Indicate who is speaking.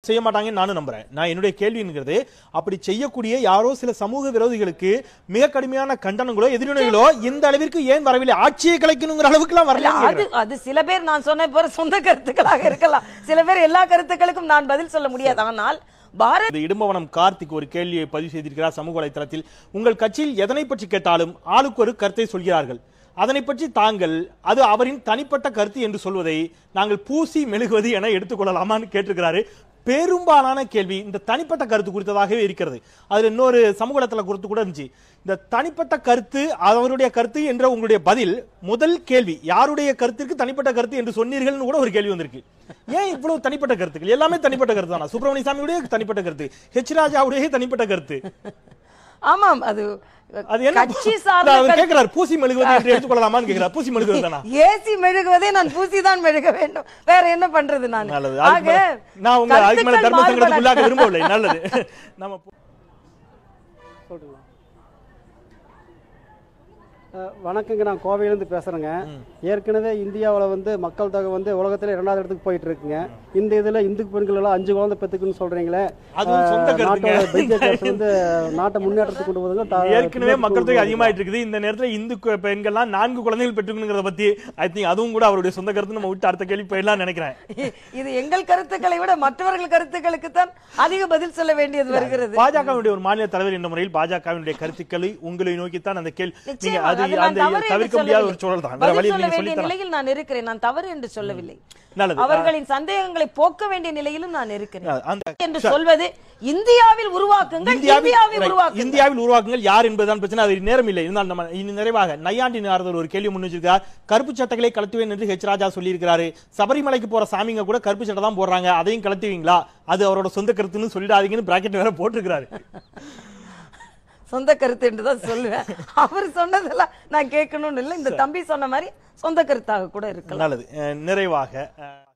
Speaker 1: செய்ய மாட்டாங்கன்னு நானும் நம்புறேன். நான் என்னுடைய கேள்விங்கிறது அப்படி செய்யக்கூடிய யாரோ சில சமூக விரோதிகளுக்கு மிக கடுமையான கண்டனங்களோ எதிர்வினைகளோ இந்த அளவிற்கு ஏன் வரவில்லை? ஆட்சியை கலைக்கணுங்கிற அளவுக்கு எல்லாம் வரல.
Speaker 2: அது சில பேர் நான் சொன்ன போற சொந்த கருத்துக்களாக இருக்கலாம். சில பேர் எல்லா கருத்துக்களுக்கும் நான் பதில் சொல்ல முடியாது. ஆனால்
Speaker 1: இடும்பவனம் கார்த்திக் ஒரு கேள்வியை பதிவு செய்திருக்கிறார் சமூக வலைதளத்தில். உங்கள் கட்சியில் எதனை பற்றி கேட்டாலும் ஆளுக்கு ஒரு கருத்தை சொல்கிறார்கள். அதனை பற்றி தாங்கள் அது அவரின் தனிப்பட்ட கருத்து என்று சொல்வதை நாங்கள் பூசி மெழுகுவது என எடுத்துக்கொள்ளலாமான்னு கேட்டிருக்கிறாரு. பெரும்பாலான கேள்வி இந்த தனிப்பட்ட கருத்து குறித்ததாகவே இருக்கிறது. அதுல இன்னொரு சமூக வலைதள குறித்து கூட இருந்துச்சு. இந்த தனிப்பட்ட கருத்து அவருடைய கருத்து என்ற உங்களுடைய பதில் முதல் கேள்வி யாருடைய கருத்திற்கு தனிப்பட்ட கருத்து என்று சொன்னீர்கள் கூட ஒரு கேள்வி வந்திருக்கு. ஏன் இவ்வளவு தனிப்பட்ட கருத்துக்கள்? எல்லாமே தனிப்பட்ட கருத்து தானா? சுப்பிரமணிய சாமியுடைய தனிப்பட்ட கருத்து, ஹெச் ராஜாவுடைய தனிப்பட்ட கருத்து.
Speaker 2: ஆமாம், அது
Speaker 1: கட்சி சார்ந்த கேக்குறார். பூசி மெழுகுவது என்று எடுத்துக்கொள்ளலாமான்னு கேக்குறார். பூசி மெழுகுவதுதானா?
Speaker 2: ஏசி மெழுகுவதே நான் பூசி தான் மெழுக வேண்டும். வேற என்ன பண்றது? நான்
Speaker 1: நான் உங்க அதுக்கு மேல தர்ம சங்கடத்துக்குள்ளாக விரும்பவில்லை. நல்லது. நம்ம
Speaker 3: வணக்கங்க, நான் கோவையிலிருந்து பேசுறேங்க. ஏற்கனவே இந்தியாவில் மக்கள் தொகை உலகத்துல 2வது இடத்துக்கு போயிட்டு இருக்குங்க. இந்த இதுல இந்து பெண்கள் எல்லாம் 5 குழந்தை பெத்துக்குன்னு சொல்றீங்களே, நாட்டை முன்னேற்றத்துக்கு கொண்டு போதுங்க.
Speaker 1: ஏற்கனவே மக்கள் தொகை அதிகமாயிட்டு இருக்குது. இந்த நேரத்தில் இந்து பெண்கள்லாம் 4 குழந்தைகள் பெற்றுக்கணுங்கிறத பத்தி ஐ திங்க் அதுவும் கூட அவருடைய சொந்த கருத்து. நம்ம விட்டு அடுத்த கேள்வி போயிடலாம் நினைக்கிறேன்.
Speaker 2: இது எங்கள் கருத்துக்களை விட மற்றவர்கள் கருத்துக்களுக்கு தான் அதிக பதில் சொல்ல வேண்டியது வருகிறது.
Speaker 1: பாஜகவுடைய ஒரு மாநில தலைவர் என்ற முறையில் பாஜகவினுடைய கருத்துக்களை உங்களை நோக்கித்தான் அந்த கேள்வி தவிர்க்க முடியாத ஒரு சூழல் தான்.
Speaker 2: நிலையில் நான் இருக்கிறேன். நான் தவறு என்று சொல்லவில்லை. அவர்களின் சந்தேகங்களை போக்க வேண்டிய நிலையிலும் நான் இருக்கிறேன் என்று சொல்வது இந்தியாவில் உருவாக்குங்கள்,
Speaker 1: இந்தியாவில் உருவாக்குங்கள் யார் என்பதுதான் பிரச்சனை. அது நேரம் இல்லை. இருந்தால் நம்ம நிறைவாக நையாண்டி நாரதர் ஒரு கேள்வி முன் வச்சிருக்கார். கருப்பு சட்டைகளை கலத்துவேன் என்று ஹெச் ராஜா சொல்லி இருக்கிறாரு. சபரிமலைக்கு போற சாமிங்க கூட கருப்பு சட்டை தான் போடுறாங்க, அதையும் கலத்துவீங்களா? அது அவரோட சொந்த கருத்துன்னு சொல்லிடாதீங்கன்னு பிராக்கெட் வேற போட்டிருக்கிறாரு.
Speaker 2: சொந்த கருத்து என்றுதான் சொல்லுவேன். அவர் சொன்னதெல்லாம் நான் கேட்கணும்னு இல்லை. இந்த தம்பி சொன்ன மாதிரி சொந்த கருத்தாக கூட இருக்கலாம்.
Speaker 1: நல்லது. நிறைவாக